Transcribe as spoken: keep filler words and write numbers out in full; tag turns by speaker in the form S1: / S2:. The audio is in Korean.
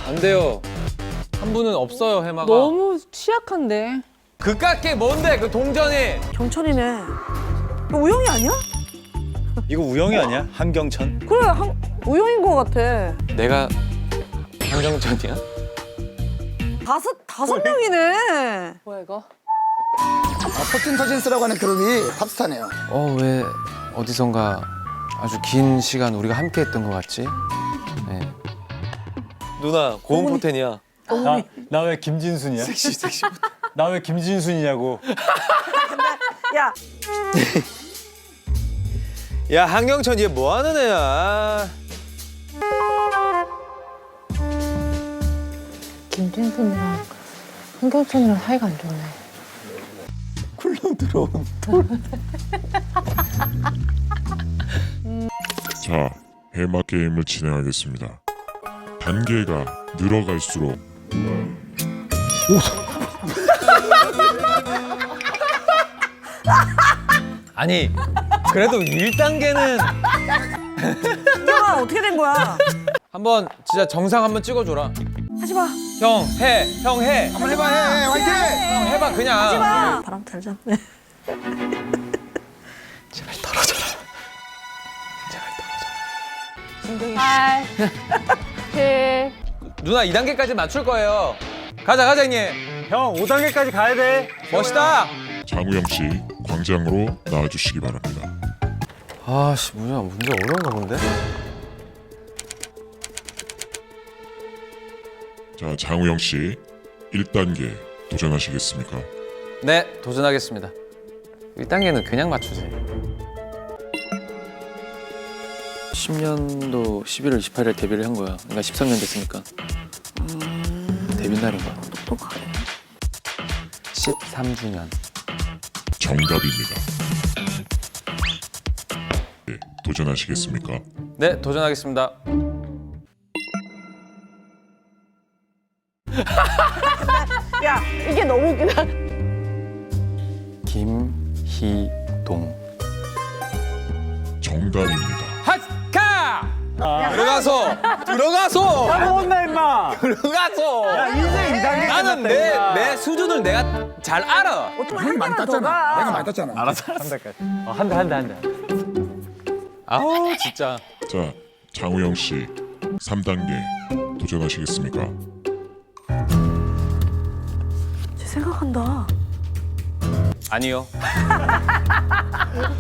S1: 안 돼요. 한 분은 없어요, 해마가.
S2: 너무 취약한데.
S1: 그깟게 뭔데, 그 동전이.
S3: 경천이네. 이거 우영이 아니야?
S4: 이거 우영이 아니야? 한경천?
S3: 그래, 한, 우영인 것 같아.
S1: 내가 한경천이야?
S3: 다섯, 다섯 명이네.
S2: 뭐야 이거?
S5: 퍼틴 터진스라고 하는 그룹이 팝스타네요.
S1: 어, 왜 어디선가 아주 긴 시간 우리가 함께 했던 것 같지? 네. 누나, 고음 포텐이야.
S4: 나 나 왜 김진순이야? 섹시 섹시. 나 왜 김진순이냐고.
S3: 야,
S1: 야, 한경천 얘 뭐 하는 애야?
S2: 김진순이랑 한경천이랑 사이가 안 좋네.
S4: 쿨러 들어온.
S6: 자, 해마 게임을 진행하겠습니다. 단계가 늘어갈수록
S1: 아니, 그래도 일 단계는
S3: 우영아, 어떻게 된 거야?
S1: 한번 진짜 정상 한번 찍어줘라.
S3: 하지 마.
S1: 형, 해, 형 해.
S5: 한번 해봐, 해, 화이팅!
S1: 형 해봐 그냥.
S3: 하지 마. 바람 잘 잡네.
S1: 제발 떨어져라. 제발 떨어져라.
S2: 팔, 칠.
S1: 누나 이 단계까지 맞출 거예요. 가자, 가자 형님.
S4: 형 오 단계까지 가야 돼.
S1: 멋있다.
S6: 장우영 씨 광장으로 나와주시기 바랍니다.
S1: 아씨, 뭐야, 문제 어려운가 본데?
S6: 자, 장우영 씨 일 단계 도전하시겠습니까?
S1: 네, 도전하겠습니다. 일 단계는 그냥 맞추지. 십 년도 십일월 이십팔일 데뷔를 한 거야. 그러니까 십삼 년 됐으니까. 데뷔 날인 거야.
S3: 똑똑하네.
S1: 십삼 주년.
S6: 정답입니다. 네, 도전하시겠습니까?
S1: 네, 도전하겠습니다.
S3: 야, 이게 너무 웃기다.
S1: 김희동.
S6: 정답입니다.
S1: 하카! 들어가서! 들어가서!
S4: 나 먹었나 임마.
S1: 들어가서!
S4: 야 인생 이 단계.
S1: 나는 내, 내 수준을 내가 잘 알아.
S3: 어떻게
S5: 형이
S3: 한
S5: 많이
S3: 개만 더
S5: 땄잖아.
S3: 가.
S5: 내가 많이 땄잖아.
S4: 알았어. 한 달까지. 어, 한 달, 한 달, 한 달.
S1: 아우, 진짜.
S6: 자, 장우영 씨 삼 단계 도전하시겠습니까?
S3: 쟤 생각한다.
S1: 아니요.